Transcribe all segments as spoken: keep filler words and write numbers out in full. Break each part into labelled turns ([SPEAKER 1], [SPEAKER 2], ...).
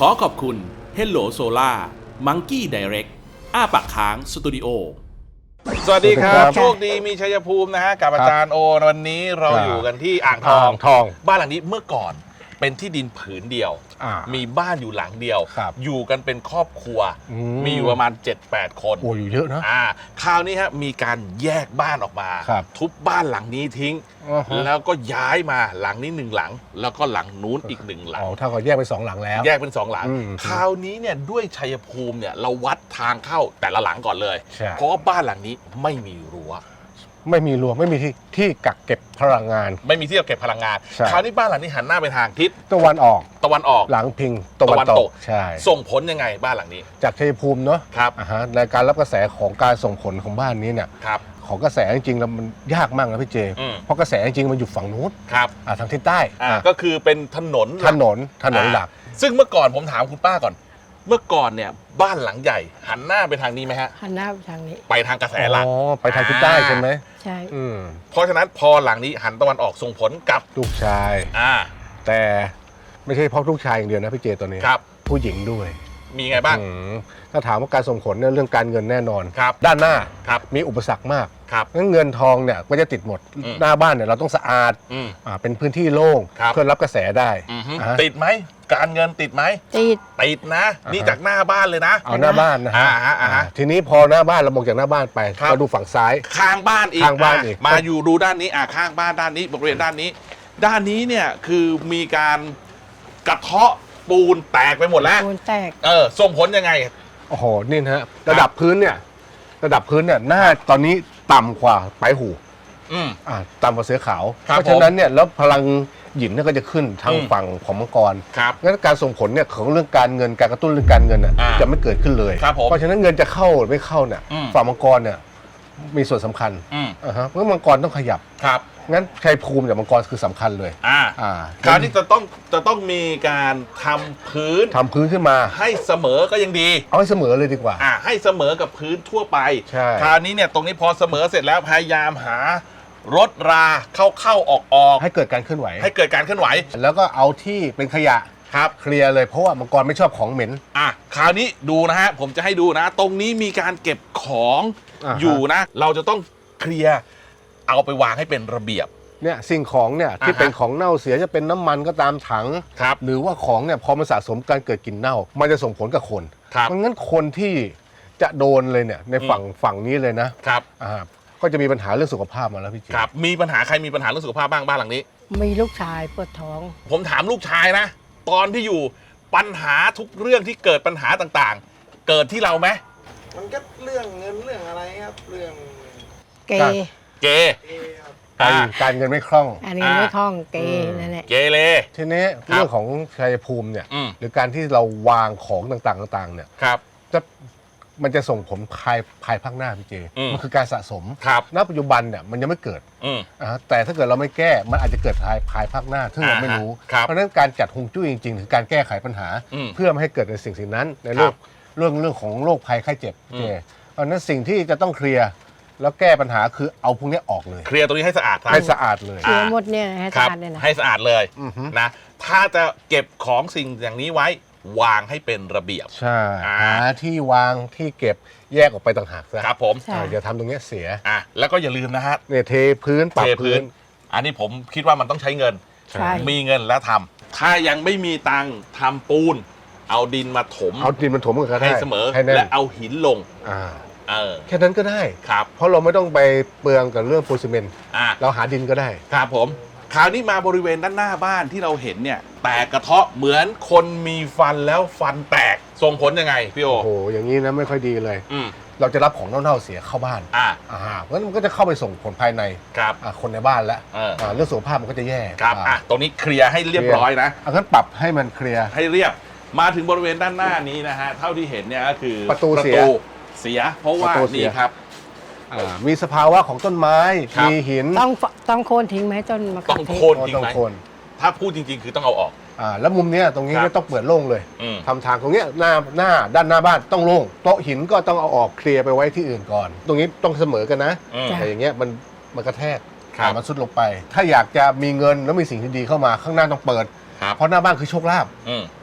[SPEAKER 1] ขอขอบคุณ Hello Solar Monkey Direct อ้าปากค้างสตูดิโอสวัสดีครับโชคดีมีชัยภูมินะฮะกับอาจารย์โอวันนี้เราอยู่กันที่อ่างทอง
[SPEAKER 2] ทอง
[SPEAKER 1] บ้านหลังนี้เมื่อก่อนเป็นที่ดินผืนเดียวมีบ้านอยู่หลังเดียวอยู่กันเป็นครอบครัวมีอยู่ประมาณ เจ็ดแปด คน
[SPEAKER 2] โอ้อยู่เยอะนะ
[SPEAKER 1] อ่าคราวนี้ฮะมีการแยกบ้านออกมาทุบบ้านหลังนี้ทิ้งแล้วก็ย้ายมาหลังนี้หนึ่งหลังแล้วก็หลังนู้นอีกหนึ่งหลัง
[SPEAKER 2] อ๋อถ้าเขาแยกเป็นสองหลังแล้ว
[SPEAKER 1] แยกเป็นสองหลังคราวนี้เนี่ยด้วยชัยภูมิเนี่ยเราวัดทางเข้าแต่ละหลังก่อนเลยเพราะว่าบ้านหลังนี้ไม่มีรั้ว
[SPEAKER 2] ไม่มีรั้วไม่มีที่ที่กักเก็บพลังงาน
[SPEAKER 1] ไม่มีที่กักเก็บพลังงานคราวนี้บ้านหลังนี้หันหน้าไปทางทิศ
[SPEAKER 2] ตะวันออก
[SPEAKER 1] ตะวันออก
[SPEAKER 2] หลังพิงตะวันตกใช่
[SPEAKER 1] ส่งผลยังไงบ้านหลังนี้
[SPEAKER 2] จากชัยภูมิเนาะ
[SPEAKER 1] ครับ
[SPEAKER 2] อ่าฮะในการรับกระแสของการส่งผลของบ้านนี้เนี่ย
[SPEAKER 1] ครับ
[SPEAKER 2] ของกระแสจริงๆแล้วมันยากมากนะพี่เจเพราะกระแสจริงๆมันอยู่ฝั่งนู้น
[SPEAKER 1] ครับ
[SPEAKER 2] อ่าทางทิศใต้
[SPEAKER 1] อ่าก็คือเป็นถนน
[SPEAKER 2] ถนนถนนหลัก
[SPEAKER 1] ซึ่งเมื่อก่อนผมถามคุณป้าก่อนเมื่อก่อนเนี่ยบ้านหลังใหญ่หันหน้าไปทางนี้ไหมฮะ
[SPEAKER 3] หันหน้าไปทางนี้
[SPEAKER 1] ไปทางกระแสหลัก
[SPEAKER 2] อ๋อไปทางทิศใต้ใช่ไหม
[SPEAKER 3] ใช่
[SPEAKER 1] เพราะฉะนั้นพอหลังนี้หันตะวันออกส่งผลกับ
[SPEAKER 2] ลูกชาย
[SPEAKER 1] อ่า
[SPEAKER 2] แต่ไม่ใช่เพราะลูกชายอย่างเดียวนะพี่เจตัวนี้
[SPEAKER 1] ครับ
[SPEAKER 2] ผู้หญิงด้วย
[SPEAKER 1] มีไงบ้าง
[SPEAKER 2] ถ้าถามว่าการส่งผลเนี่ยเรื่องการเงินแน่นอน
[SPEAKER 1] ครับ
[SPEAKER 2] ด้านหน้า
[SPEAKER 1] ครับ
[SPEAKER 2] มีอุปสรรคมาก
[SPEAKER 1] ครับ
[SPEAKER 2] งั้นเงินทองเนี่ยก็จะติดหมดหน้าบ้านเนี่ยเราต้องสะอาดอ่าเป็นพื้นที่โล่งเพื่อรับกระแสได้
[SPEAKER 1] ติดไหมการเงินติดไหม
[SPEAKER 3] ติด
[SPEAKER 1] ติดนะนี่จากหน้าบ้านเลยนะ
[SPEAKER 2] เอาหน้าบ้านนะฮะทีนี้พอหน้าบ้านเรามองจากหน้าบ้านไปเราดูฝั่งซ้าย
[SPEAKER 1] ข้างบ้านอีก
[SPEAKER 2] ข้างบ้านอีก
[SPEAKER 1] มาอยู่ดูด้านนี้อ่าข้างบ้านด้านนี้บริเวณด้านนี้ด้านนี้เนี่ยคือมีการกระเทาะปูนแตกไปหมดแล้ว
[SPEAKER 3] ปูนแตก
[SPEAKER 1] เออส่งผลยังไง
[SPEAKER 2] โอ้โหนี่นะฮะระดับพื้นเนี่ยระดับพื้นเนี่ยหน้าตอนนี้ต่ำกว่าปลายหู
[SPEAKER 1] อืม
[SPEAKER 2] อ่าต่ำกว่าเสือขาวเพราะฉะนั้นเนี่ยแล้วพลังหยินเนี่ยก็จะขึ้นทางฝั่งของมังกรงั้นการส่งผลเนี่ยของเรื่องการเงินการกระตุ้นเรื่องการเงินน่ะจะไม่เกิดขึ้นเลยเพราะฉะนั้นเงินจะเข้าหรือไม่เข้าเนี่ยฝั่งมังกรเนี่ยมีส่วนสำคัญอ่าฮะเพราะมังกรต้องขยับ
[SPEAKER 1] ครับ
[SPEAKER 2] งั้นชัยภูมิกับมังกรคือสำคัญเลย
[SPEAKER 1] อ่าอ่าการที่จะต้องจะต้องมีการทำพื้น
[SPEAKER 2] ทำพื้นขึ้นมา
[SPEAKER 1] ให้เสมอก็ยังดี
[SPEAKER 2] เอาให้เสมอเลยดีกว่า
[SPEAKER 1] อ่าให้เสมอกับพื้นทั่วไป
[SPEAKER 2] ใช่
[SPEAKER 1] คราวนี้เนี่ยตรงนี้พอเสมอเสร็จแล้วพยายามหารถราเข้าเข้าออกออก
[SPEAKER 2] ให้เกิดการเคลื่อนไหว
[SPEAKER 1] ให้เกิดการเคลื่อนไหว
[SPEAKER 2] แล้วก็เอาที่เป็นขยะ
[SPEAKER 1] ครับ
[SPEAKER 2] เคลียร์เลยเพราะว่ามังกรไม่ชอบของเหม็น
[SPEAKER 1] อ่ะคราวนี้ดูนะฮะผมจะให้ดูนะตรงนี้มีการเก็บของอยู่นะเราจะต้องเคลียร์เอาไปวางให้เป็นระเบียบ
[SPEAKER 2] เนี่ยสิ่งของเนี่ยที่เป็นของเน่าเสียจะเป็นน้ำมันก็ตามถังหรือว่าของเนี่ยพอมันสะสมการเกิดกลิ่นเน่ามันจะส่งผลกับคนเพราะงั้นคนที่จะโดนเลยเนี่ยในฝั่งฝั่งนี้เลยนะครับอ่าก็จะมีปัญหาเรื่องสุขภาพมาแล้วพี่เจ
[SPEAKER 1] ครับมีปัญหาใครมีปัญหาเรื่องสุขภาพบ้างบ้านหลังนี้
[SPEAKER 3] มีลูกชายปวดท้อง
[SPEAKER 1] ผมถามลูกชายนะตอนที่อยู่ปัญหาทุกเรื่องที่เกิดปัญหาต่างๆเกิดที่เราไหม
[SPEAKER 4] มันก็เรื่องเงินเรื่องอะไรครับเรื่อง
[SPEAKER 3] เก
[SPEAKER 1] เก
[SPEAKER 2] การการเงินไม่คล่อง
[SPEAKER 3] การเงินไม่คล่องเกนั่นแหละ
[SPEAKER 1] เกเร
[SPEAKER 2] ทีนี้เรื่องของชัยภูมิเนี่ยหรือการที่เราวางของต่างๆต่างๆเนี่ยจะมันจะส่งผลภายภายภาคหน้าพี่เจมันคือการสะสมณปัจจุบันเนี่ยมันยังไม่เกิดแต่ถ้าเกิดเราไม่แก้มันอาจจะเกิดภายภายภาคหน้าซึ่งเราไม่รู้เพราะฉะนั้นการจัดฮวงจุ้ยจริงๆคือการแก้ไขปัญหาเพื่อไม่ให้เกิดในสิ่งสิ่งนั้นในโลกเรื่องเรื่องของโรคภัยไข้เจ็บพี่เจเพราะฉะนั้นสิ่งที่จะต้องเคลียร์แล้วแก้ปัญหาคือเอาพวกนี้ออกเลย
[SPEAKER 1] เคลียร์ตรงนี้ให้สะอาด
[SPEAKER 2] ให้สะอาดเลย
[SPEAKER 3] เคลียร์หมดเนี่ยให้สะอาดเลยนะ
[SPEAKER 1] ให้สะอาดเลยนะถ้าจะเก็บของสิ่งอย่างนี้ไว้วางให้เป็นระเบียบ
[SPEAKER 2] ใช่หาที่วางที่เก็บแยกออกไปต่างหากซะ
[SPEAKER 1] ครับผม
[SPEAKER 2] อย่าทำตรงนี้เสีย
[SPEAKER 1] อ่ะแล้วก็อย่าลืมนะฮะ
[SPEAKER 2] เนี่ยเทพื้นปรับพื้น
[SPEAKER 1] อันนี้ผมคิดว่ามันต้องใช้เงินมีเงินแล้วทำถ้ายังไม่มีตังค์ทำปูนเอาดินมาถม
[SPEAKER 2] เอาดินมาถมกัน
[SPEAKER 1] ให้เสมอและเอาหินลง
[SPEAKER 2] แค่นั้นก็ได้
[SPEAKER 1] ครับ
[SPEAKER 2] เพราะเราไม่ต้องไปเปลืองกับเรื่องปูนซีเมนต์เราหาดินก็ได้
[SPEAKER 1] ครับผมคราวนี้มาบริเวณด้านหน้าบ้านที่เราเห็นเนี่ยแตกกระเทาะเหมือนคนมีฟันแล้วฟันแตกส่งผลยังไงพี่โอ
[SPEAKER 2] โอ้โหอย่างนี้นะไม่ค่อยดีเลยเราจะรับของเน่าๆเสียเข้าบ้าน
[SPEAKER 1] อ่า
[SPEAKER 2] อ่าเพราะฉะนั้นมันก็จะเข้าไปส่งผลภายใน
[SPEAKER 1] ครับ
[SPEAKER 2] คนในบ้านแล้วเรื่องสุขภาพมันก็จะแย่
[SPEAKER 1] ครับอ่ะตรงนี้เคลียร์ให้เรียบร้อยนะ
[SPEAKER 2] เอางั้นปรับให้มันเคลียร์
[SPEAKER 1] ให้เรียบมาถึงบริเวณด้านหน้านี้นะฮะเท่าที่เห็นเนี่ยก็คือ
[SPEAKER 2] ประตูเสีย
[SPEAKER 1] เสียเพราะว่านี่ครับ
[SPEAKER 2] มีสภาวะของต้นไม้มีหิน
[SPEAKER 3] ต้องต้องโค่นทิ้งไหมจนมา
[SPEAKER 1] ต้องโค่นทิ้งไหมถ้าพูดจริงๆคือต้องเอาออก
[SPEAKER 2] อ่าแล้วมุมเนี้ยตรงนี้ไม่ต้องเปิดโล่งเลยทำทางตรงเนี้ยหน้าหน้าด้านหน้าบ้านต้องโล่งโต๊ะหินก็ต้องเอาออกเคลียร์ไปไว้ที่อื่นก่อนตรงนี้ต้องเสมอกันนะแต่อย่างเงี้ยมันมันกระแทกมันซุดลงไปถ้าอยากจะมีเงินแล้วมีสิ่งที่ดีเข้ามาข้างหน้าต้องเปิดเพราะหน้าบ้านคือโชคลาภ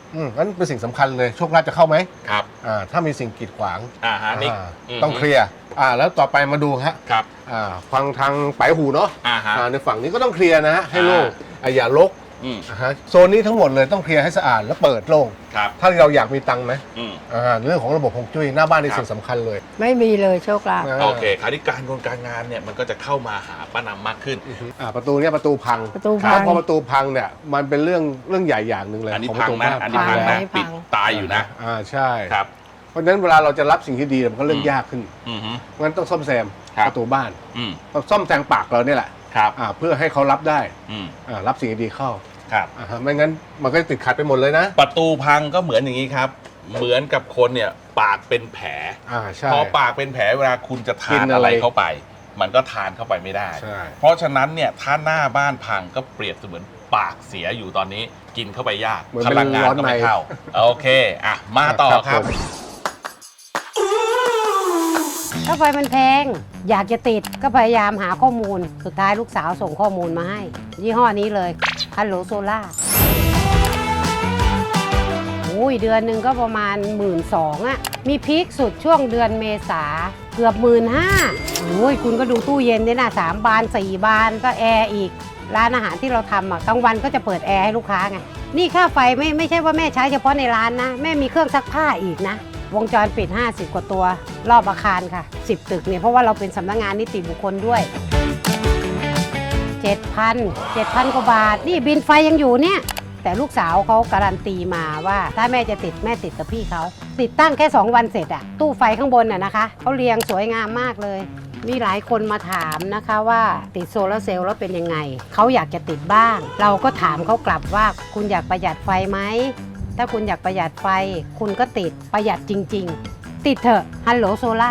[SPEAKER 2] อืมงั้นเป็นสิ่งสำคัญเลยโชคลาภจะเข้าไหม
[SPEAKER 1] ครับ
[SPEAKER 2] อ่าถ้ามีสิ่งกีดขวาง
[SPEAKER 1] อ่าฮะนี่
[SPEAKER 2] อ่า
[SPEAKER 1] อืม
[SPEAKER 2] ต้องเคลียร์อ่าแล้วต่อไปมาดูฮะ
[SPEAKER 1] ครับ
[SPEAKER 2] อ่าฟังทางปลายหูเนาะ
[SPEAKER 1] อ่าฮะ
[SPEAKER 2] อ่าในฝั่งนี้ก็ต้องเคลียร์นะฮะให้โล่งอ่าอย่าลก
[SPEAKER 1] อืม
[SPEAKER 2] อ่าฮะโซนนี้ทั้งหมดเลยต้องเคลียร์ให้สะอาดแล้วเปิดโล่ง
[SPEAKER 1] ครับ
[SPEAKER 2] ถ้าเราอยากมีตังค์ไหม
[SPEAKER 1] อืม
[SPEAKER 2] อ่าเรื่องของระบบฮวงจุ้ยหน้าบ้านนี่
[SPEAKER 1] ครับ
[SPEAKER 2] สิ่งสำคัญเลย
[SPEAKER 3] ไม่มีเลยโชคลาภ
[SPEAKER 2] า
[SPEAKER 1] โอเคคราวนี้การงานการงานเนี่ยมันก็จะเข้ามาหาป้านำมากขึ้น
[SPEAKER 2] อือฮึอ่าประตูเนี่ยประตูพัง
[SPEAKER 3] ประตูพัง
[SPEAKER 2] พอประตูพังเนี่ยมันเป็นเรื่องเรื่องใหญ่อย่างหนึ่งเลย
[SPEAKER 1] อันนี้
[SPEAKER 2] ของป
[SPEAKER 1] พั
[SPEAKER 2] ระ
[SPEAKER 1] ง
[SPEAKER 2] ตู
[SPEAKER 1] นะ
[SPEAKER 2] บ้า
[SPEAKER 1] อันนี้พัง
[SPEAKER 3] พั
[SPEAKER 1] นะ
[SPEAKER 3] ง
[SPEAKER 1] ปิด
[SPEAKER 3] พัง
[SPEAKER 1] ตายอยู่นะ
[SPEAKER 2] อ่าใช่
[SPEAKER 1] ครับ
[SPEAKER 2] เพราะฉะนั้นเวลาเราจะรับสิ่งที่ดีมันก็เรื่องยากขึ้น
[SPEAKER 1] อือฮึ
[SPEAKER 2] งั้นต้องซ่อมแซม
[SPEAKER 1] ครับ
[SPEAKER 2] ประตูบ้าน
[SPEAKER 1] อืม
[SPEAKER 2] ต้องซ่อมแซมปากเราเนี่ยแหละ
[SPEAKER 1] ครับ
[SPEAKER 2] อ่าเพื่อให้เขารับได้
[SPEAKER 1] อืม
[SPEAKER 2] อ่ารับสิ่งดีๆเข้า
[SPEAKER 1] ครับ
[SPEAKER 2] อ่าฮะไม่งั้นมันก็จะติดขัดไปหมดเลยนะ
[SPEAKER 1] ประตูพังก็เหมือนอย่างนี้ครับ เหมือนกับคนเนี่ยปากเป็นแผล
[SPEAKER 2] อ่าใช่
[SPEAKER 1] พอปากเป็นแผลเวลาคุณจะทา
[SPEAKER 2] กิ
[SPEAKER 1] น
[SPEAKER 2] น
[SPEAKER 1] อะ
[SPEAKER 2] อะไร ไร
[SPEAKER 1] เข้าไป มันก็ทานเข้าไปไม่ได้
[SPEAKER 2] ใช่
[SPEAKER 1] เพราะฉะนั้นเนี่ยถ้าหน้าบ้านพังก็เปรียบเสมือนปากเสียอยู่ตอนนี้ กินเข้าไปยาก
[SPEAKER 2] เหมือน
[SPEAKER 1] พ
[SPEAKER 2] เป็น
[SPEAKER 1] ลังงาน
[SPEAKER 2] ร้อน
[SPEAKER 1] ก็
[SPEAKER 2] ใน
[SPEAKER 1] ไม่เข้าโอเคอ่ะมาต่อครับ
[SPEAKER 2] ผม
[SPEAKER 5] ค่าไฟมันแพง อยากจะติดก็พยายามหาข้อมูล สุดท้ายลูกสาวส่งข้อมูลมาให้ ยี่ห้อนี้เลยฮัลโหลโซล่าอุ้ยเดือนหนึ่งก็ประมาณหมื่นสองอะมีพีคสุดช่วงเดือนเมษาเกือบหมื่นห้าโอ้ยคุณก็ดูตู้เย็นเนี่ยนะสามบานสี่บานก็แอร์อีก ร้านอาหารที่เราทำอะกลางวันก็จะเปิดแอร์ให้ลูกค้าไง นี่ค่าไฟไม่ไม่ใช่ว่าแม่ใช้เฉพาะในร้านนะ แม่มีเครื่องซักผ้าอีกนะ วงจรปิด ห้าสิบ กว่าตัว รอบอาคารค่ะ สิบ ตึกเนี่ยเพราะว่าเราเป็นสำนักงานนิติบุคคลด้วย เจ็ดพัน เจ็ดพัน กว่าบาท นี่บินไฟยังอยู่เนี่ย แต่ลูกสาวเขาการันตีมาว่าถ้าแม่จะติดแม่ติดกับพี่เขา ติดตั้งแค่ สอง วันเสร็จอะตู้ไฟข้างบนน่ะนะคะเขาเรียงสวยงามมากเลย มีหลายคนมาถามนะคะว่าติดโซลาร์เซลล์แล้วเป็นยังไง เขาอยากจะติดบ้าง เราก็ถามเขากลับว่าคุณอยากประหยัดไฟไหม ถ้าคุณอยากประหยัดไฟ คุณก็ติดประหยัดจริง ๆ ติดเถอะฮัลโหลโซล่า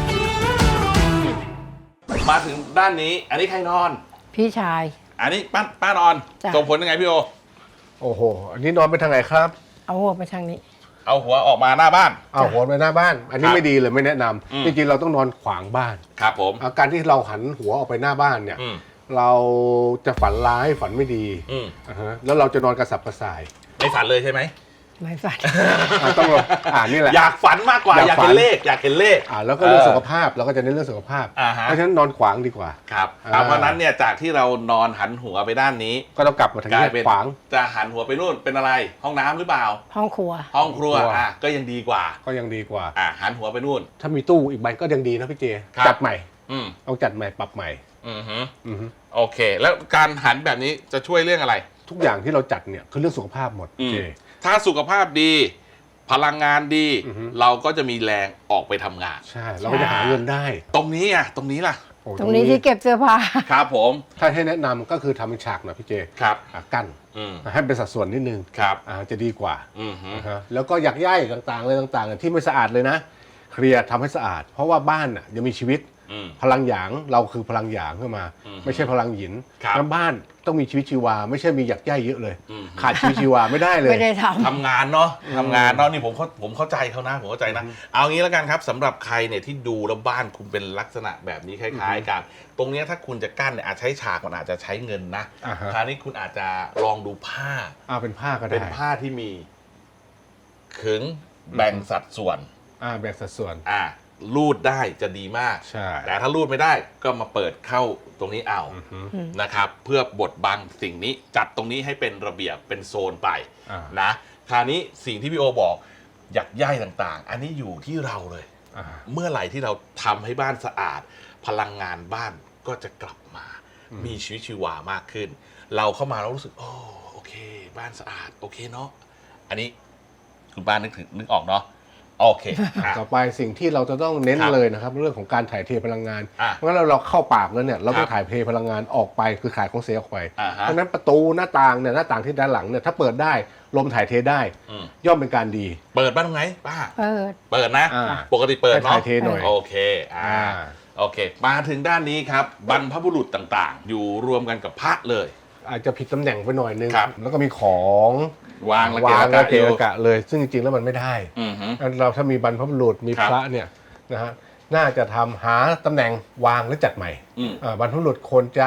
[SPEAKER 1] มาถึงด้านนี้ อันนี้ใครนอน
[SPEAKER 3] พี่ชาย
[SPEAKER 1] อันนี้ป้าป้านอน
[SPEAKER 3] จ้ะ
[SPEAKER 1] ส่งผลยังไงพี่โอ
[SPEAKER 2] โอ้โหอันนี้นอนไปทางไหนครับ
[SPEAKER 3] เอาหัวไปทางนี้
[SPEAKER 1] เอาหัวออกมาหน้าบ้าน
[SPEAKER 2] อ้าวหัวไปหน้าบ้าน อันนี้
[SPEAKER 1] ครับ
[SPEAKER 2] ไม่ดีเลยไม่แนะน
[SPEAKER 1] อืม
[SPEAKER 2] ำจริงๆเราต้องนอนขวางบ้าน
[SPEAKER 1] ครับผม
[SPEAKER 2] อาการที่เราหันหัวออกไปหน้าบ้านเนี่ย
[SPEAKER 1] อืม
[SPEAKER 2] เราจะฝันร้ายฝันไม่ดี
[SPEAKER 1] อืม
[SPEAKER 2] อ่าฮะแล้วเราจะนอนกระสับกระส่าย
[SPEAKER 1] ไม่ฝันเลยใช่ไหม
[SPEAKER 3] ไม่ฝัน
[SPEAKER 2] อ่าต้องลองอ่านี่แหละ
[SPEAKER 1] อยากฝันมากกว่า
[SPEAKER 2] อยาก
[SPEAKER 1] อยาก
[SPEAKER 2] ฝั
[SPEAKER 1] เห็
[SPEAKER 2] น
[SPEAKER 1] นเลข อยากเห็นเลข
[SPEAKER 2] อ่าแล้วก็เรื่อง
[SPEAKER 1] เออ
[SPEAKER 2] สุขภาพเราก็จะเน้นเรื่องสุขภาพ
[SPEAKER 1] อ่าฮะ
[SPEAKER 2] เพราะฉะนั้นนอนขวางดีกว่า
[SPEAKER 1] ครับ
[SPEAKER 2] อ่า
[SPEAKER 1] เอาเพราะฉะนั้นเนี่ยจากที่เรานอนหันหัวไปด้านนี้
[SPEAKER 2] ก็ต้องกลับมาทาง
[SPEAKER 1] กลา
[SPEAKER 2] นี้
[SPEAKER 1] ยเป็น
[SPEAKER 2] ขวาง
[SPEAKER 1] จะหันหัวไปนู่นเป็นอะไร ห้องน้ำหรือเปล่า
[SPEAKER 3] ห้องครัว
[SPEAKER 1] ห้องครัว
[SPEAKER 2] ครัว
[SPEAKER 1] อ่ะก็ยังดีกว่า
[SPEAKER 2] ก็ยังดีกว่า
[SPEAKER 1] อ่ะหันหัวไปนู่น
[SPEAKER 2] ถ้ามีตู้อีกใบก็ยังดีนะพี่เจ
[SPEAKER 1] ครับ
[SPEAKER 2] จัดใหม่
[SPEAKER 1] อืม
[SPEAKER 2] ต้องจัดใหม่ปรับใหม่
[SPEAKER 1] อือฮึ
[SPEAKER 2] อือฮึ
[SPEAKER 1] โอเค แล้วการหันแบบนี้จะช่วยเรื่องอะไร
[SPEAKER 2] ทุกอย่างที่เราจัดเนี่ยคือเรื่องสุขภาพหมด
[SPEAKER 1] อื
[SPEAKER 2] พี่
[SPEAKER 1] ม
[SPEAKER 2] เจ
[SPEAKER 1] ถ้าสุขภาพดี พลังงานดี
[SPEAKER 2] อือฮึ
[SPEAKER 1] เราก็จะมีแรงออกไปทำงาน
[SPEAKER 2] ใช่เราก็จะหาเงินได้
[SPEAKER 1] ตรงนี้อ่ะตรงนี้ล่ะ
[SPEAKER 2] โอ้
[SPEAKER 3] ตรงนี้ที่เก็บเสื้อผ้า
[SPEAKER 1] ครับผม
[SPEAKER 2] ถ้าให้แนะนำก็คือทำเป็นฉากหน่อยพี่เจ
[SPEAKER 1] ครับ
[SPEAKER 2] อ่ะกั้น
[SPEAKER 1] อืม
[SPEAKER 2] ให้เป็นสัดส่วนนิดนึง
[SPEAKER 1] ครับ
[SPEAKER 2] อ่าจะดีกว่า
[SPEAKER 1] อือฮึ
[SPEAKER 2] นะฮะแล้วก็อยากย่ายต่างๆเลยต่างๆ ที่ไม่สะอาดเลยนะเคลียร์ทำให้สะอาด เพราะว่าบ้านน่ะยังมีชีวิต
[SPEAKER 1] อืม
[SPEAKER 2] พลังหยางเราคือพลังหยางขึ้นมา
[SPEAKER 1] อืม
[SPEAKER 2] ไม่ใช่พลังหยิน
[SPEAKER 1] ครับ
[SPEAKER 2] น้ำบ้านต้องมีชีวิตชีวา ไม่ใช่มีหยักย่ายเยอะเลย
[SPEAKER 1] อืม
[SPEAKER 2] ขาดชีวิตชีวาไม่ได้เลย
[SPEAKER 3] ไม่ได้ท
[SPEAKER 1] ทำงานเนาะทำงานเนาะนี่ผมเข้าผมเข้าใจเขานะผมเข้าใจนะ เอางี้แล้วกันครับสำหรับใครเนี่ยที่ดูแล้วบ้านคุณเป็นลักษณะแบบนี้คล้ายๆกัน ตรงเนี้ยถ้าคุณจะกั้นเนี่ยอาจใช้ฉากมันอาจจะใช้เงินนะ
[SPEAKER 2] อ่าฮะ
[SPEAKER 1] คราวนี้คุณอาจจะลองดูผ้า
[SPEAKER 2] อ่าเป็นผ้าก็ได้
[SPEAKER 1] เป็นผ้าที่มีขึงแบ่งสัดส่วน
[SPEAKER 2] อ่าแบ่งสัดส่วน
[SPEAKER 1] อ่ารูดได้จะดีมาก
[SPEAKER 2] ใช่
[SPEAKER 1] แต่ถ้ารูดไม่ได้ก็มาเปิดเข้าตรงนี้เอา
[SPEAKER 2] อือฮึ
[SPEAKER 1] นะครับ เพื่อบดบังสิ่งนี้จัดตรงนี้ให้เป็นระเบียบเป็นโซนไป
[SPEAKER 2] อ่า
[SPEAKER 1] นะคราวนี้สิ่งที่พี่โอบอกหยักย่ายต่างๆ อันนี้อยู่ที่เราเลย
[SPEAKER 2] อ่า
[SPEAKER 1] เมื่อไหร่ที่เราทำให้บ้านสะอาด พลังงานบ้านก็จะกลับมา
[SPEAKER 2] อืม
[SPEAKER 1] มีชีวิตชีวามากขึ้น เราเข้ามาแล้วรู้สึกโอ้โอเค บ้านสะอาดโอเคเนาะอันนี้คุณป้านึกถึงนึกออกเนาะโอเคอ่ะ
[SPEAKER 2] ต่อไปสิ่งที่เราจะต้องเน้น
[SPEAKER 1] ครับ
[SPEAKER 2] เลยนะครับเรื่องของการถ่ายเทพลังงาน
[SPEAKER 1] อ่ะ
[SPEAKER 2] เพราะฉะนั้นเราเราเข้าปากแล้วเนี่ยเราต้อ
[SPEAKER 1] ค
[SPEAKER 2] ง
[SPEAKER 1] รับ
[SPEAKER 2] ถ่ายเทพลังงานออกไปคือขายของเสียออกไป
[SPEAKER 1] อ่าฮะ
[SPEAKER 2] เพราะฉะนั้นประตูหน้าต่างเนี่ยหน้าต่างที่ด้านหลังเนี่ยถ้าเปิดได้ลมถ่ายเทได้
[SPEAKER 1] อืม
[SPEAKER 2] ย่อมเป็นการดี
[SPEAKER 1] เปิดบ้านตรงไหนป้า
[SPEAKER 3] ำเปิด
[SPEAKER 1] เปิดนะ
[SPEAKER 2] อ่า
[SPEAKER 1] ปกติเปิด
[SPEAKER 2] ให้
[SPEAKER 1] เนาะ
[SPEAKER 2] ถ่ายเทหน่อย
[SPEAKER 1] โอเคอ่า
[SPEAKER 2] อ่า
[SPEAKER 1] โอเค มาถึงด้านนี้ครับบรรพบุรุษต่างๆ อยู่รวมกันกับพระเลย
[SPEAKER 2] อาจจะผิดตำแหน่งไปหน่อยนึง
[SPEAKER 1] ครับ
[SPEAKER 2] แล้วก็มีของ
[SPEAKER 1] วางระ
[SPEAKER 2] วาง
[SPEAKER 1] เกะ
[SPEAKER 2] ระ
[SPEAKER 1] ระ
[SPEAKER 2] เกะ
[SPEAKER 1] อยู่
[SPEAKER 2] ระกะเลย ซึ่งจริงๆแล้วมันไม่ได้
[SPEAKER 1] อือฮึ
[SPEAKER 2] อันเราถ้ามีบรรพบุรุษมี
[SPEAKER 1] ครับ
[SPEAKER 2] พระเนี่ยนะฮะน่าจะทำหาตำแหน่งวางหรือจัดใหม่
[SPEAKER 1] อืม
[SPEAKER 2] อ่าบรรพบุรุษควรจะ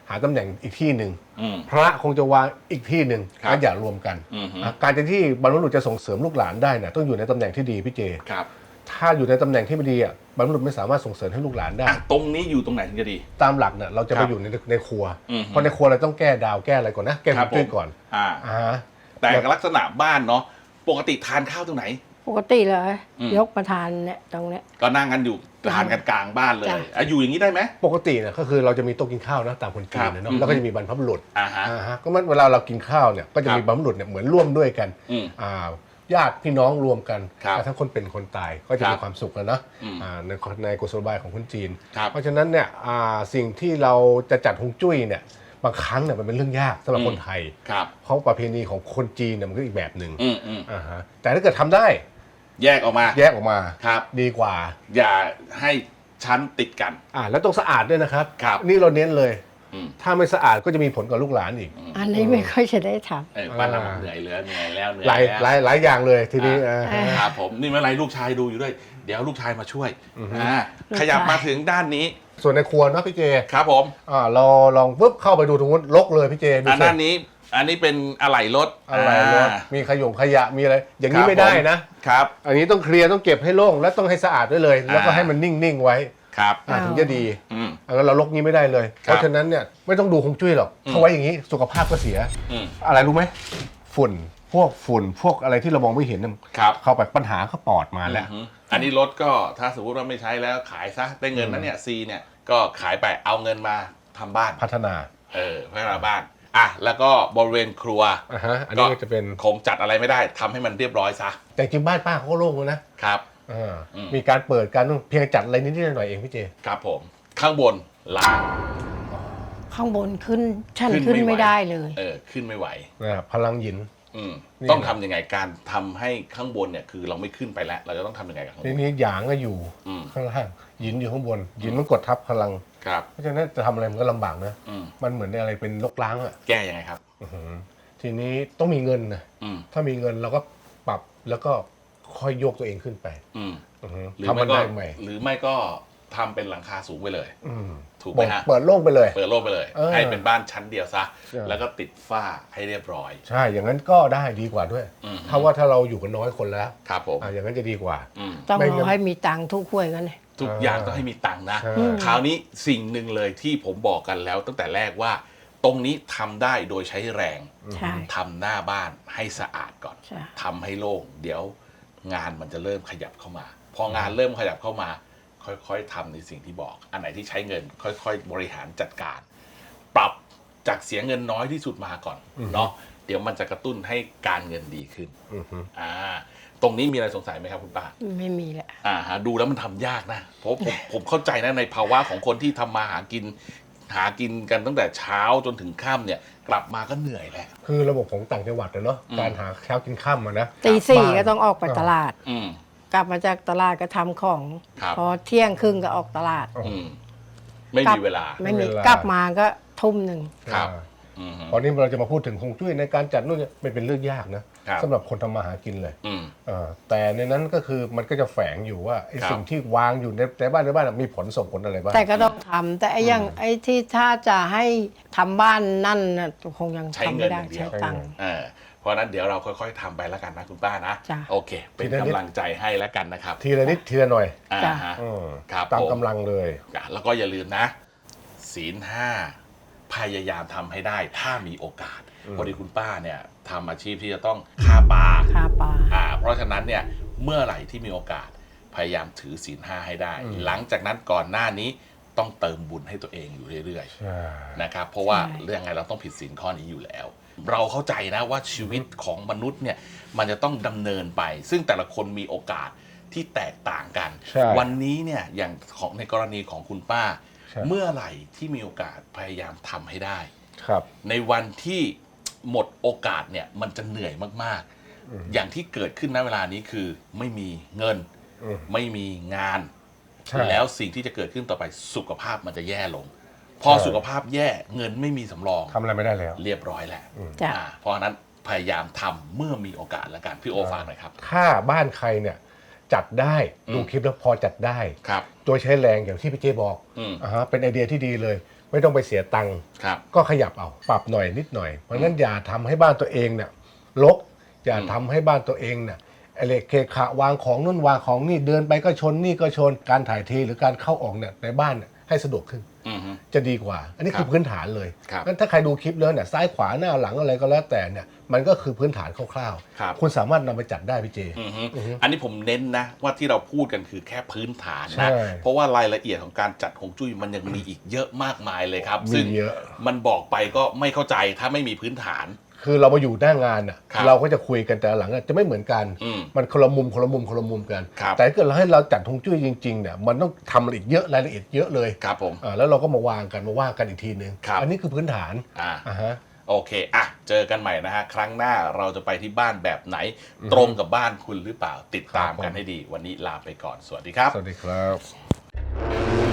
[SPEAKER 2] หาตำแหน่งอีกที่หนึ่ง
[SPEAKER 1] อืม
[SPEAKER 2] พระคงจะวางอีกที่หนึ่ง
[SPEAKER 1] ครับ
[SPEAKER 2] การอย่ารวมกัน
[SPEAKER 1] อืม
[SPEAKER 2] อ่ะการจะที่บรรพบุรุษจะส่งเสริมลูกหลานได้เนี่ยต้องอยู่ในตำแหน่งที่ดีพี่เจ
[SPEAKER 1] ครับ
[SPEAKER 2] ถ้าอยู่ในตำแหน่งที่ไม่ดีอ่ะบรรพบุรุษไม่สามารถส่งเสริมให้ลูกหลานได้
[SPEAKER 1] อ่ะตรงนี้อยู่ตรงไหนถึงจะดี
[SPEAKER 2] ตามหลักเนี่ยเราจะ
[SPEAKER 1] ค
[SPEAKER 2] ไป
[SPEAKER 1] รับ
[SPEAKER 2] อยู่ในในครัว
[SPEAKER 1] อืม
[SPEAKER 2] เพราะในครัวเราต้องแก้ดาวแก้อะไรก่อนนะแก้
[SPEAKER 1] ครั
[SPEAKER 2] ฮว
[SPEAKER 1] บ
[SPEAKER 2] งจุ้ย
[SPEAKER 1] ผม
[SPEAKER 2] ก่อน
[SPEAKER 1] อ่า
[SPEAKER 2] อ่าฮะ
[SPEAKER 1] แต่ลักษณะบ้านเนาะปกติทานข้าวตรงไหน
[SPEAKER 3] ปกติเลย
[SPEAKER 1] อืม
[SPEAKER 3] ยกมาทานเนี่ยตรงเนี้ย
[SPEAKER 1] ก็นั่งกันอยู่ทานกันกลางบ้านเลย
[SPEAKER 3] จ้ะ
[SPEAKER 1] อ่ะอยู่อย่างนี้ได้ไหม
[SPEAKER 2] ปกติเนี่ยก็คือเราจะมีโต๊ะกินข้าวนะตามคนจีนเนี่ย
[SPEAKER 1] ครั
[SPEAKER 2] เนาะ
[SPEAKER 1] บ
[SPEAKER 2] แล้วก็จะมีบรรพบุรุษ
[SPEAKER 1] อ่าฮะ
[SPEAKER 2] อ่าฮะก็มันเวลาเรากินข้าวเนี่ยก็จะมี
[SPEAKER 1] ครับ
[SPEAKER 2] บรรพบุรุษเนี่ยเหมือนร่วมด้วยกัน
[SPEAKER 1] อืม
[SPEAKER 2] อ่าญาติพี่น้องรวมกัน
[SPEAKER 1] ครับ
[SPEAKER 2] อ่าทั้งคนเป็นคนตายก็จะ
[SPEAKER 1] ครับ
[SPEAKER 2] มีความสุขแล้วนะ
[SPEAKER 1] อืม
[SPEAKER 2] อ่าในในกุศโลบายของคนจีน
[SPEAKER 1] ครับ
[SPEAKER 2] เพราะฉะนั้นเนี่ยอ่าสิ่งที่เราจะจัดฮวงจุ้ยเนี่ยบางครั้งเนี่ยมันเป็นเรื่องยากสำหรับ
[SPEAKER 1] อืม
[SPEAKER 2] คนไทย
[SPEAKER 1] ครับ
[SPEAKER 2] เพราะประเพณีของคนจีนเนี่ยมันก็อีกแบบหนึ่ง
[SPEAKER 1] อืมอืม
[SPEAKER 2] อ่าฮะแต่ถ้าเกิดทำได้
[SPEAKER 1] แยกออกมา
[SPEAKER 2] แยกออกมา
[SPEAKER 1] ครับ
[SPEAKER 2] ดีกว่า
[SPEAKER 1] อย่าให้ชั้นติดกัน
[SPEAKER 2] อ่าแล้วต้องสะอาดด้วยนะครับ
[SPEAKER 1] ครับ
[SPEAKER 2] นี่เราเน้นเลย
[SPEAKER 1] อืม
[SPEAKER 2] ถ้าไม่สะอาดก็จะมีผลกับลูกหลานอีก
[SPEAKER 3] อันนี้ไม่ค่อยจะได้ท
[SPEAKER 1] เออบ้านเรา
[SPEAKER 2] อ่า
[SPEAKER 1] เหนื่อยเหลือเหนื่อยแล้วเหนื่อย
[SPEAKER 2] หลาย
[SPEAKER 1] แล้ว
[SPEAKER 2] หลายหลายอย่างเลยทีนี้
[SPEAKER 1] อ่า
[SPEAKER 2] อ่าฮะ
[SPEAKER 1] ครับผมนี่เมื่อไรลูกชายดูอยู่ด้วย เดี๋ยวลูกชายมาช่วย
[SPEAKER 2] อือฮึ
[SPEAKER 1] อ่าขยับมาถึงด้านนี้
[SPEAKER 2] ส่วนในครัวเนาะพี่เจ
[SPEAKER 1] ครับผม
[SPEAKER 2] อ่าเราลองปุ๊บเข้าไปดูตรงนู้นรกเลยพี่เจดู
[SPEAKER 1] อัน
[SPEAKER 2] สิ
[SPEAKER 1] ด้านนี้ อันนี้เป็นอะไหล่รถ
[SPEAKER 2] อะไรรถ
[SPEAKER 1] อ่า
[SPEAKER 2] มีขยงขยะมีอะไร อย่างนี้
[SPEAKER 1] ครับ
[SPEAKER 2] ไม่ได้
[SPEAKER 1] ผม
[SPEAKER 2] นะ
[SPEAKER 1] ครับ
[SPEAKER 2] อันนี้ต้องเคลียร์ต้องเก็บให้โล่งและต้องให้สะอาดด้วยเลย แล้วก็
[SPEAKER 1] อ่า
[SPEAKER 2] ให้มันนิ่งๆไว้
[SPEAKER 1] ครับ
[SPEAKER 2] อ่าถึงจะดี
[SPEAKER 1] อืม
[SPEAKER 2] อันนั้นเราลกนี้ไม่ได้เลย
[SPEAKER 1] ครับ
[SPEAKER 2] เพราะฉะนั้นเนี่ยไม่ต้องดูคงจุ้ยหรอก
[SPEAKER 1] อืม
[SPEAKER 2] เขาไว้อย่างนี้สุขภาพก็เสีย
[SPEAKER 1] อืม
[SPEAKER 2] อะไรรู้ไหมฝุ่นพวกฝุ่นพวกอะไรที่เรามองไม่เห็นน่ะ
[SPEAKER 1] ครับ
[SPEAKER 2] เข้าไปปัญหาก็ปอดมาแล้ว
[SPEAKER 1] อือฮึอันนี้รถก็ถ้าสมมติว่าไม่ใช้แล้วขายซะได้เงินนั้นเนี่ยซีเนี่ยก็ขายไปเอาเงินมาทำบ้าน
[SPEAKER 2] พัฒนา
[SPEAKER 1] เออพัฒนาบ้านอ่ะแล้วก็บริเวณครัว
[SPEAKER 2] อ่าฮะอันนี้ก็จะเป็น
[SPEAKER 1] คงจัดอะไรไม่ได้ทำให้มันเรียบร้อยซะ
[SPEAKER 2] แต่จริงบ้านป้าเขาก็โล่งแล้วนะครับ อ่า
[SPEAKER 1] อืม
[SPEAKER 2] มีการเปิดการเพียงจัดอะไรนิดๆหน่อยๆเองพี่เจ
[SPEAKER 1] ครับผมข้างบนล้าง
[SPEAKER 3] ำข้างบนขึ้นชั้น
[SPEAKER 1] ขึ้
[SPEAKER 3] ขึ้
[SPEAKER 1] น
[SPEAKER 3] น
[SPEAKER 1] ไม่
[SPEAKER 3] ไม่
[SPEAKER 1] ไหว
[SPEAKER 3] ได้เลย
[SPEAKER 1] เออขึ้นไม่ไหว
[SPEAKER 2] นะพลังหยิน
[SPEAKER 1] อืม
[SPEAKER 2] นี่
[SPEAKER 1] ต้องทำยังไงการทำให้ข้างบนเนี่ยคือเราไม่ขึ้นไปแล้ว เราจะต้องทำยังไงกับข้างบ
[SPEAKER 2] ที
[SPEAKER 1] น
[SPEAKER 2] นี้หยางก็อยู่
[SPEAKER 1] อืม
[SPEAKER 2] ข้างล่างหยินอยู่ข้างบนหยินมันกดทับพลัง
[SPEAKER 1] ครับ
[SPEAKER 2] เพราะฉะนั้นจะทำอะไรมันก็ลำบากนะ
[SPEAKER 1] อืม
[SPEAKER 2] มันเหมือนอะไรเป็นลกล้างอ่ะ
[SPEAKER 1] แก้ยังไงครับ
[SPEAKER 2] อื้อหือทีนี้ต้องมีเงินนะ
[SPEAKER 1] อืม
[SPEAKER 2] ถ้ามีเงินเราก็ปรับแล้วก็ค่อยโยกตัวเองขึ้นไป
[SPEAKER 1] อืม
[SPEAKER 2] อื้อหือ
[SPEAKER 1] หรือ
[SPEAKER 2] ทำ
[SPEAKER 1] ไม่
[SPEAKER 2] มัน
[SPEAKER 1] ก็
[SPEAKER 2] ได้ใหม่
[SPEAKER 1] หรือไม่ก็ทำเป็นหลังคาสูงไปเลย
[SPEAKER 2] อืม
[SPEAKER 1] ถูกไหมฮะ
[SPEAKER 2] เปิดโล่งไปเลย
[SPEAKER 1] เปิดโล่งไปเลย
[SPEAKER 2] เออ
[SPEAKER 1] ให้เป็นบ้านชั้นเดียวซะ
[SPEAKER 2] ใช่
[SPEAKER 1] แล้วก็ติดฝ้าให้เรียบร้อย
[SPEAKER 2] ใช่อย่างนั้นก็ได้ดีกว่าด้วย
[SPEAKER 1] อืม
[SPEAKER 2] ถ้าว่าถ้าเราอยู่กันน้อยคนแล้ว
[SPEAKER 1] ครับผม
[SPEAKER 2] อ่ะอย่างนั้นจะดีกว่า
[SPEAKER 1] อืม
[SPEAKER 3] ต้อง
[SPEAKER 2] ไม่งั้
[SPEAKER 3] รอน ให้มีตังค์ทุกห้วยกันเลย
[SPEAKER 1] ทุกอย่างต้องให้มีตังค์นะ
[SPEAKER 2] ใช่
[SPEAKER 1] คราวนี้สิ่งหนึ่งเลยที่ผมบอกกันแล้วตั้งแต่แรกว่า ตรงนี้ทำได้โดยใช้แรง
[SPEAKER 3] ใช่
[SPEAKER 1] ทำหน้าบ้านให้สะอาดก่อน
[SPEAKER 3] ใช่
[SPEAKER 1] ทำให้โล่งเดี๋ยวงานมันจะเริ่มขยับเข้ามา พองานเริ่มขยับเข้ามา ค่อยๆทำในสิ่งที่บอก อันไหนที่ใช้เงิน ค่อยๆ บริหารจัดการ ปรับจากเสียเงินน้อยที่สุดมาก่อนเนาะเดี๋ยวมันจะกระตุ้นให้การเงินดีขึ้น
[SPEAKER 2] อือฮึ
[SPEAKER 1] อ่าตรงนี้มีอะไรสงสัยไหมครับคุณป้า
[SPEAKER 3] ไม่มีแหละ
[SPEAKER 1] อ่าฮะดูแล้วมันทำยากนะ เพราะผมผมเข้าใจนะในภาวะของคนที่ทำมาหากิน หากินกันตั้งแต่เช้าจนถึงค่ำเนี่ย กลับมาก็เหนื่อยแหละ
[SPEAKER 2] คือระบบของต่างจังหวัดนะเนาะ
[SPEAKER 1] อืม
[SPEAKER 2] การหาเช้ากินข้ามอะนะ
[SPEAKER 3] ตีสี่
[SPEAKER 2] บ้าน
[SPEAKER 3] ก็ต้องออกไปตลาด
[SPEAKER 1] อืม
[SPEAKER 3] กลับมาจากตลาดก็ทำของ
[SPEAKER 1] ครับ
[SPEAKER 3] พอเที่ยงครึ่งก็ออกตลาด
[SPEAKER 1] อืมไม่มีเวลา
[SPEAKER 3] ไม่มี
[SPEAKER 2] เวลา
[SPEAKER 3] กลับมาก็ทุ่มหนึ่ง
[SPEAKER 1] ครับ
[SPEAKER 2] อ่า
[SPEAKER 1] อืม
[SPEAKER 2] ตอนนี้เราจะมาพูดถึงฮวงจุ้ยในการจัดนู่นเนี่ยไม่เป็นเรื่องยากนะครับ สำหรับคนทำมาหากินเลย
[SPEAKER 1] อืม
[SPEAKER 2] เอ่อแต่ในนั้นก็คือมันก็จะแฝงอยู่ว่าไอ้
[SPEAKER 1] ครับ
[SPEAKER 2] สิ่งที่วางอยู่ในในบ้านในบ้านน่ะมีผลส่งผลอะไรบ้าง
[SPEAKER 3] แต่ก็ต้องทำแต่ไอ้อยังไอ้ที่ถ้าจะให้ทำบ้านนั่นน่ะคงยัง
[SPEAKER 1] ใช้
[SPEAKER 3] ทำ
[SPEAKER 1] เงิ
[SPEAKER 3] ไม่
[SPEAKER 1] น
[SPEAKER 3] ได้
[SPEAKER 1] อย่างเดี
[SPEAKER 3] ใช้
[SPEAKER 1] ยว
[SPEAKER 3] ตังค์
[SPEAKER 1] เออเพราะฉะนั้นเดี๋ยวเราค่อยๆทำไปแล้วกันนะคุณป้านะ
[SPEAKER 3] จ้ะ
[SPEAKER 1] โอเค เป็นกำลังใจให้แล้วกันนะครับ
[SPEAKER 2] ทีละนิดทีละหน่อย
[SPEAKER 1] อ่า
[SPEAKER 3] จ้ะ
[SPEAKER 1] ฮะ
[SPEAKER 2] อืม
[SPEAKER 1] ครับ
[SPEAKER 2] ตาม
[SPEAKER 1] ผม
[SPEAKER 2] กำลังเลย
[SPEAKER 1] อ่ะแล้วก็อย่าลืมนะ ศีลห้าพยายามทำให้ได้ถ้ามีโอกาส
[SPEAKER 2] อืม
[SPEAKER 1] พอดีคุณป้าเนี่ยทำอาชีพที่จะต้องฆ่าปลา
[SPEAKER 3] ค่าปลา
[SPEAKER 1] อ่าเพราะฉะนั้นเนี่ยเมื่อไหร่ที่มีโอกาสพยายามถือศีลห้าให้ได้ หลังจากนั้นก่อนหน้านี้ต้องเติมบุญให้ตัวเองอยู่เรื่อย
[SPEAKER 2] ใช่
[SPEAKER 1] ๆนะครับเพราะว่า
[SPEAKER 3] ใช่
[SPEAKER 1] เรื่องไงเราต้องผิดศีลข้อนี้อยู่แล้ว เราเข้าใจนะว่าชีวิตของมนุษย์เนี่ยมันจะต้องดำเนินไป ซึ่งแต่ละคนมีโอกาสที่แตกต่างกัน
[SPEAKER 2] ใช่
[SPEAKER 1] วันนี้เนี่ยอย่างของในกรณีของคุณป้า
[SPEAKER 2] ใช่
[SPEAKER 1] เมื่อไหร่ที่มีโอกาสพยายามทำให้ได้
[SPEAKER 2] ครับ
[SPEAKER 1] ในวันที่หมดโอกาสเนี่ยมันจะเหนื่อยมาก
[SPEAKER 2] อืม
[SPEAKER 1] ๆ อย่างที่เกิดขึ้นณเวลานี้คือไม่มีเงิน
[SPEAKER 2] อืม
[SPEAKER 1] ไม่มีงาน
[SPEAKER 2] ใช่
[SPEAKER 1] แล้วสิ่งที่จะเกิดขึ้นต่อไปสุขภาพมันจะแย่ลง พอ
[SPEAKER 2] ใช่
[SPEAKER 1] สุขภาพแย่เงินไม่มีสำรอง
[SPEAKER 2] ทำอะไรไม่ได้แล้ว
[SPEAKER 1] เรียบร้อยแหละ
[SPEAKER 3] จ้ะ
[SPEAKER 1] อ่าเพราะฉะนั้นพยายามทำเมื่อมีโอกาสแล้วกันพี่โอฝากหน่อยครับ
[SPEAKER 2] ถ้าบ้านใครเนี่ยจัดได้
[SPEAKER 1] อืม
[SPEAKER 2] ดูคลิปแล้วพอจัดได้
[SPEAKER 1] ครับ
[SPEAKER 2] โดยใช้แรงอย่างที่พี่เจบอก
[SPEAKER 1] อืม
[SPEAKER 2] อ่าฮะเป็นไอเดียที่ดีเลย ไม่ต้องไปเสียตังค์
[SPEAKER 1] ครับ
[SPEAKER 2] ก็ขยับเอาปรับหน่อยนิดหน่อยเพราะฉะนั้นอย่าทำให้บ้านตัวเองเนี่ยรกอย่า
[SPEAKER 1] อืม
[SPEAKER 2] ทำให้บ้านตัวเองเนี่ยอะไรเคขะวางของนู่นวางของนี่เดินไปก็ชนนี่ก็ชนการถ่ายเทหรือการเข้าออกเนี่ยในบ้านเนี่ยให้สะดวกขึ้น
[SPEAKER 1] อืมฮึ
[SPEAKER 2] จะดีกว่า อันนี้
[SPEAKER 1] ครับ
[SPEAKER 2] คือพื้นฐานเลย
[SPEAKER 1] ครับ
[SPEAKER 2] งั้นถ้าใครดูคลิปแล้วเนี่ยซ้ายขวาหน้าหลังอะไรก็แล้วแต่เนี่ยมันก็คือพื้นฐานคร่าว
[SPEAKER 1] ครับ
[SPEAKER 2] ๆคุณสามารถนำไปจัดได้พี่เจ
[SPEAKER 1] อือฮึ
[SPEAKER 2] อือฮึ
[SPEAKER 1] อันนี้ผมเน้นนะว่าที่เราพูดกันคือแค่พื้นฐาน
[SPEAKER 2] ใช่
[SPEAKER 1] นะเพราะว่ารายละเอียดของการจัดฮวงจุ้ยมันยังมีอีกเยอะมากมายเลยครับ
[SPEAKER 2] มี
[SPEAKER 1] ซึ่ง
[SPEAKER 2] เยอะ
[SPEAKER 1] มันบอกไปก็ไม่เข้าใจถ้าไม่มีพื้นฐาน
[SPEAKER 2] คือเรามาอยู่หน้างานอ่ะ
[SPEAKER 1] ครับ
[SPEAKER 2] เราก็จะคุยกันแต่ละหลังอะจะไม่เหมือนกัน
[SPEAKER 1] อืม
[SPEAKER 2] มันคนละมุมคนละมุมคนละมุมกัน
[SPEAKER 1] ครับ
[SPEAKER 2] แต่ถ้าเกิดเราให้เราจัดฮวงจุ้ยจริงๆเนี่ยมันต้องทำอะไรอีกเยอะรายละเอียดเยอะเลย
[SPEAKER 1] ครับผม
[SPEAKER 2] อ่าแล้วเราก็มาวางกันมาว่ากันอีกทีนึง
[SPEAKER 1] ครับ
[SPEAKER 2] อันนี้คือพื้นฐาน
[SPEAKER 1] อ่า
[SPEAKER 2] อ่าฮะ
[SPEAKER 1] โอเค อ่ะ เจอกันใหม่นะฮะ ครั้งหน้าเราจะไปที่บ้านแบบไหน ตรงกับบ้านคุณหรือเปล่า ติดตาม
[SPEAKER 2] ครับผม
[SPEAKER 1] กันให้ดี วันนี้ลาไปก่อน สวัสดีครับ
[SPEAKER 2] สวัสดีครับ